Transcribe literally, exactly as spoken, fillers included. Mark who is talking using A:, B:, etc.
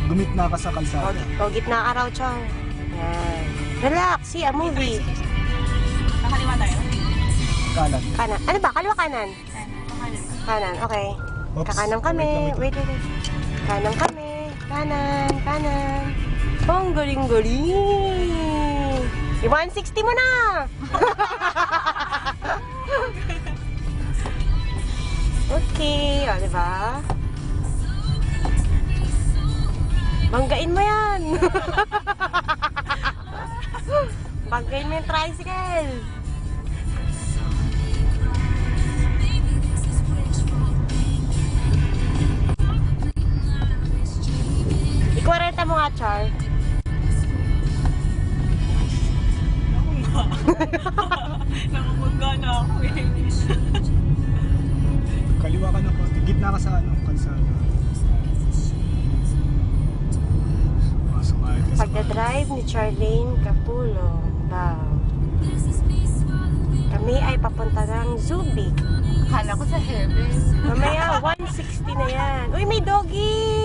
A: Gumitna ka sa kalsada.
B: O, gitna ka raw, Chong. Yan. Relax, see a movie.
C: Nakaliwa tayo?
A: Kanan.
B: Kanan. Ano ba? Kaliwa kanan? Kanan, okay.
A: Oops.
B: Kakanan kami. Wait, wait, wait. Kanan kami. Kanan, kanan. Oh, ang galing-galing. I one sixty mo na! Okay, o, diba? Banggain mo yan! Banggain mo yung tricycle! Ikwarenta mo nga, Char.
C: Nakabangga na ako eh.
A: Kaliwa ka na po. Gitna ka sa ano, kalsada. Pasok ka.
B: Pagdadrive ni Charlene Capullo daw. Kami ay papunta ng Zubik.
C: Akala ko sa heaven.
B: Mamaya, one sixty na yan. Uy, may doggy!